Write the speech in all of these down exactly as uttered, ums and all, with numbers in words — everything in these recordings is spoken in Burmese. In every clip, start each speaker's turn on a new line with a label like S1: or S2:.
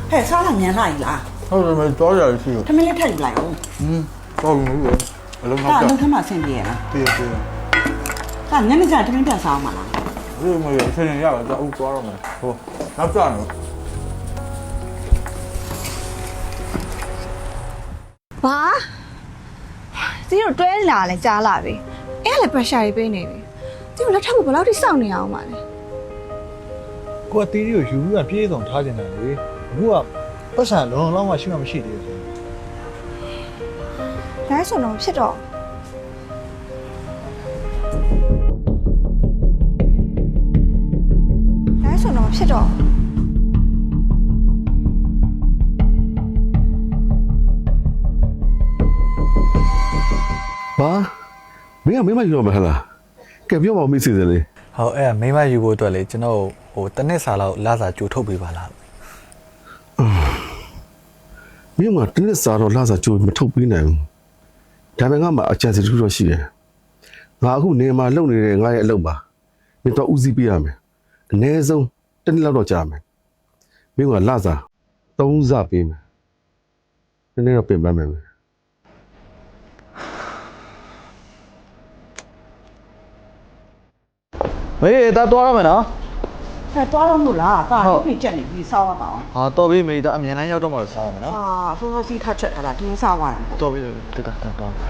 S1: ဟဲ့စားလာမြန်လာပြီလား
S2: ဟုတ်တယ်မတော်ရရှိလို့
S1: ထမင်းလေးထည့်ယူလိုက်အောင်
S2: ဟင်းတော်ပြီလေအလုံး
S1: ဒါ
S2: နောက်
S1: အ
S2: ကြ
S1: လုံးထမဆင်ပြေရလား
S2: ပြေးပြေး
S1: ဒါညနေကျထမင်းပြန်စားအောင်မလား
S2: ဒီမရဆင်းရရတော့အုပ်သွားရမယ်ဟိုနောက်ကြနော်
S3: ဘာစီတို့တွဲလာလဲကြားလာပြီအဲ့လည်း pressure တွေပေးနေပြီစီတို့လက်ထပ်ကိုဘယ်လောက်ထိစောင့်နေအောင်ပါလဲ
S4: ကိုကတီးရီကိုယူပြီးပြေးဆောင်ထားကျင်တယ်လေအခုကပတ်စံလုံးလုံးမရှိမှမရှိသေးဘူး
S3: ဒါဆိုတော့ဖြစ်တော့ဒါဆိုတော့ဖြစ်တော့
S5: ဘာမင်းကမင်းမယူတော့မဟလားကဲပြောပါဦးမိစီစလေ
S4: ဟုတ်အဲ့မိမယူဖို့အတွက်လေကျွန်တော်ဟိုတစ်နှစ်စာလောက်လာစာကြိုထုတ်ပေးပါလား
S5: မင်းကတနစ်စာတော့လာစာကြိုမထုတ်ပေးနိုင်ဘူးဒါပေမဲ့ငါမှအချမ်းစီတူတော့ရှိတယ်ငါအခုနေမှာလုံနေတဲ့ငါရဲ့အလုပ်ပါမင်းတော့ဦးစီးပေးရမယ်အနည်းဆုံးတစ်နှစ်လောက်တော့ကြာမယ်မင်းကလာစာသုံးစပေးမယ်နည်းနည်းတော့ပြင်ပန်းမယ်
S6: မေးဒါသွားရမယ်နော်
S1: ဟဲ့သွားတော့မို့လားဒါဒီဖိချက်နေပြီးစားရမှာအောင်
S6: ဟာတော်ပြီမေးဒါအမြန်လမ်းရောက်တော့မှစားရမယ်နော်
S1: အာဆိုးဆိုးစီးထချက်ထားတာဒီစားရတာ
S6: တော်ပြီတကတာတော့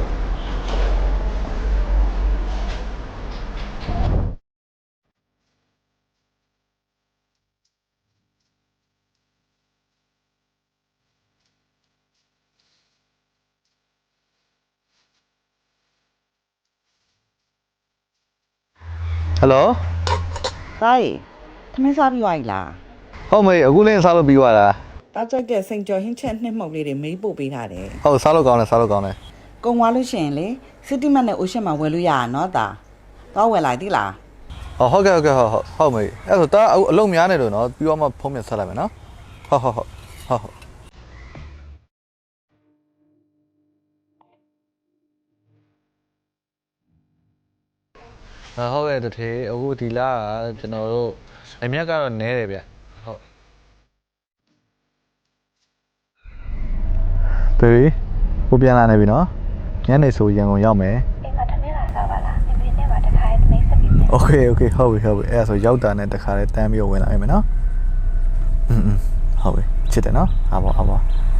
S6: ဟယ်လို
S1: ဒါရီထမင်းစားပြီးသွားပြီလား
S6: ဟုတ်မေးအခုလေးစားလို့ပြီးသွားတာ
S1: တားကြိုက်တဲ့စိန်ကျော်ဟင်းချက်နှစ်မှုတ်လေးတွေမေးပို့ပေးထားတယ်
S6: ဟုတ်စားလို့ကောင်းတယ်စားလို့ကောင်းတယ်
S1: ကုံသွားလို့ရှိရင်လေစီတီမတ်နဲ့အိုရှန်မှာဝယ်လို့ရတာနော်ဒါတော့ဝယ်လိုက်သီးလား
S6: ဟောဟုတ်ကဲ့ဟုတ်ကဲ့ဟုတ်ဟုတ်မေးအဲ့ဆိုဒါအလုံးများနေလို့နော်ပြီးတော့မှဖုံးမြဆက်လိုက်မယ်နော်ဟုတ်ဟုတ်ဟုတ်ဟုတ်ဟုတ်ဟုတ်ကဲ့တထေအခုဒီလာကကျွန်တော်တို့အမြက်ကတော့နဲတယ်ဗျဟုတ် ဘေဘီကိုပြန်လာနေပြီနော်ညနေဆိုရန်ကုန်ရောက်မယ်အိမ်မှာထမင်းလာစားပါလားအဖေနဲ့ပါတခါတည်းမိတ်ဆက်ပြီးโอเคโอเคဟုတ်ပြီဟုတ်ပြီအဲ့ဒါဆိုရောက်တာနဲ့တခါတည်းတန်းပြီးဝင်လာမယ်နော်อืมဟုတ်ပြီချစ်တယ်နော်ဟာပေါ့ဟာပေါ့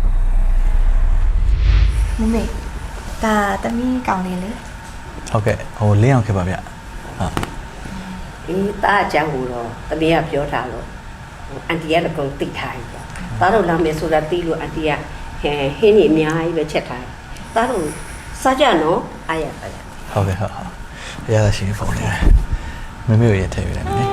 S3: မမေဒါတမီးကောင်းလေးလေ
S6: ဟုတ်ကဲ့ဟိုလင်းအောင်ခဲ့ပါဗျဟုတ်
S7: ဒီတာအကြောင်းကိုတော့တမီးကပြောထားလို့အန်တီကတော့ကုန်သိထားပြီပေါ့တားတော့လာမယ်ဆိုတာသိလို့အန်တီကဟဲဟင်းကြီးအများကြီးပဲချက်ထားတယ်တားတော့စားကြနော်အားရပါရ
S6: ဟုတ်ကဲ့ဟုတ်ဟုတ်ရရရှိဖုန်းလေးမမေကိုရထည့်ပြလိုက်မယ်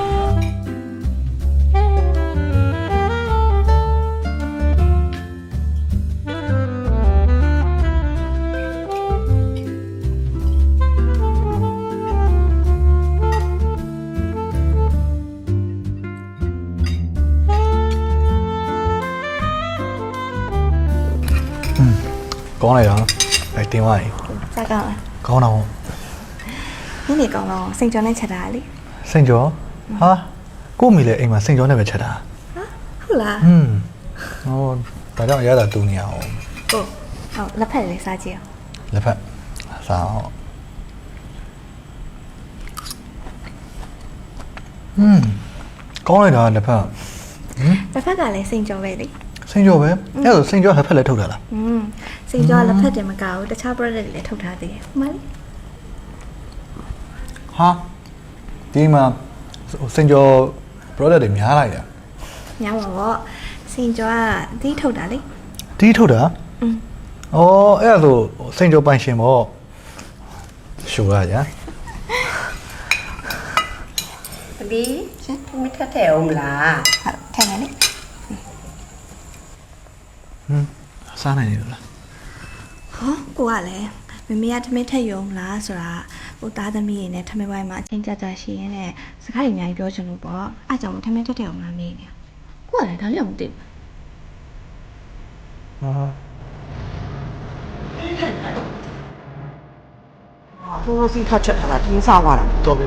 S6: ကောင်းလိုက်တော့အဲတင်သွားပြီ
S3: စားကောင်းလား
S6: ကောင်းတော့
S3: ညနေကောင်းတော့စိန်ကျော်နဲ့ချက်တာလေ
S6: စိန်ကျော်ဟာကို့မိလေအိမ်မှာစိန်ကျော်နဲ့ပဲချက်တာ
S3: ဟုတ်လား
S6: อืมဟောဒါကြောင့်ရတာတူနေအောင်
S3: ဟုတ်ဟုတ်လက်ဖက်လေးစားကြည့်အောင်
S6: လက်ဖက်စားအောင်อืมကောင်းလိုက်တာလက်ဖက်
S3: လက်ဖက်ကလည်းစိန်ကျော်ပဲလေ
S6: စိန်ကျော်ပဲအဲ့ဒါစိန်ကျော်လက်ဖက်လည်းထုတ်တာလား
S3: อืมစိန်ကျော်လက်ဖက်တင်မကဘူးတခြား product တွေလည်းထုတ်ထားသေးတယ်ဟုတ်မလား
S6: ဟာဒီမှာစိန်ကျော် product တွေများလိုက်တာ
S3: ညောင်းပါပေါ့စိန်ကျော်ကအသီးထုတ်တာလေ
S6: ဒီထုတ်တာ
S3: อืม
S6: ဩအဲ့ဒါဆိုစိန်ကျော်ပိုင်ရှင်ပေါ့ရှိုးရကြ
S7: တမီးရှင်မထက်ထဲအောင်မလား
S3: ဟုတ်ထိုင်နေလေ
S6: ဟမ်စားနိုင်တယ်လား
S3: ဟောကိုကလည်းမမေကထမင်းထက်ရုံလားဆိုတာဟိုသားသမီးရင်းနဲ့ထမင်းဝိုင်းမှာအချင်းကြကြရှိရင်းနဲ့စကားတွေအများကြီးပြောချင်လို့ပေါ့အားကြောင့်ထမင်းထက်ထက်အောင်လားမေးနေကိုကလည်းဒါလည်းမသိဘူး
S6: ဟာ
S1: ဆိုးဆိုးစီးထချက်ထားတာဒီစားရတာ
S6: တော်ပြီ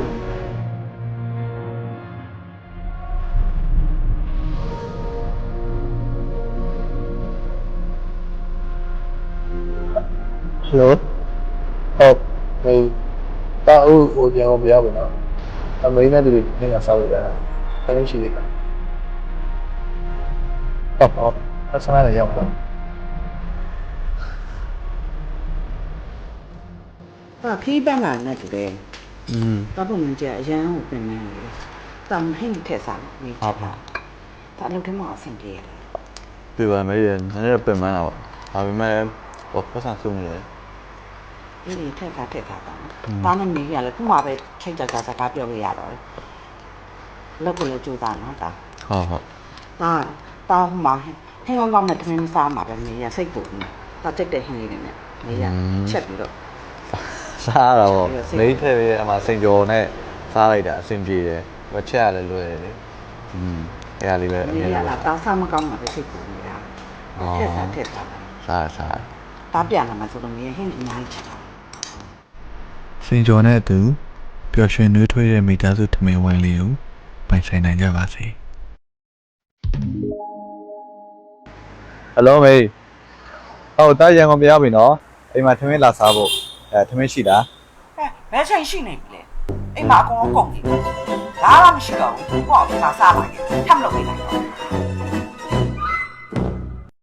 S6: ဟယ်လိုဟုတ်ဟိုတာဦးဟိုပြန်အောင်ပြရပါတော့အမေနဲ့တူနေရစားလို့ရတာတကယ်ရှိသေးတယ်ဟုတ်ဟုတ်အဆမ်းလည်းရောက်တော့
S1: ဟာဖီးပန်းလာနဲ့တူတယ်
S6: อืม
S1: တော့ပုံမှန်ကြအရန်ကိုပြင်နေတယ်တောင်ဟင်းထက်စားလို့နေချတာဒါအလုပ်ထဲမှာအဆင်ပြေတယ်
S6: ပြပါမယ်ရနည်းနည်းပြင်မှန်းတာပေါ့ဒါပေမဲ့ဘောပတ်စံဆုံးနေတယ်
S1: အေးဒီထက်စားထက်စားတာတာနဲ့နေရလဲခုမှပဲထိတ်ကြကြစကားပြောလို့ရတော့တယ်လောက်ကိုလည်းကြိုးစားနော်တာ
S6: ဟုတ်ဟုတ်
S1: တာတာဟိုမှာဟင်းကောင်းကောင်းနဲ့တမင်းစားမှာပဲနေရစိတ်ပူနေတာတက်တဲ့ဟင်းလေးတွေနဲ့နေရချက်ပြီးတော့
S6: စားရတော့မိထည့်ပြီးအမှစင်ကြော်နဲ့စားလိုက်တာအဆင်ပြေတယ်မချက်ရလည်းလွယ်တယ်လေอืมအဲ့ဒါလေးပဲအ
S1: နေ
S6: မြင်
S1: ရ
S6: လို့
S1: လာတာစားမကောင်းမှာပဲစိတ်ပူနေတာထက်စားထက်စား
S6: စားစား
S1: တာပြန်လာမှဆိုတော့နေဟင်းအများကြီးချက်တာ
S6: စင်ကြော်နဲ့အတူပျော်ရွှင်နှွေးထွေးတဲ့မိသားစုထမင်းဝိုင်းလေးကိုပိုင်ဆိုင်နိုင်ကြပါစေဟယ်လိုမေဟုတ်တာရန်ကုန်ပြရပြီနော်အိမ်မှာထမင်းလာစားဖို့အဲထမင်းရှိလား
S1: ဟဲ့ဘယ်ချိန်ရှိနေပြီလဲအိမ်မှာအကုန်လုံးကုန်ပြီဘာမှမရှိတော့ဘူးကိုယ့်အဖေကစားပါရဲ့ထပ်မလုပ်နေလိုက်တော့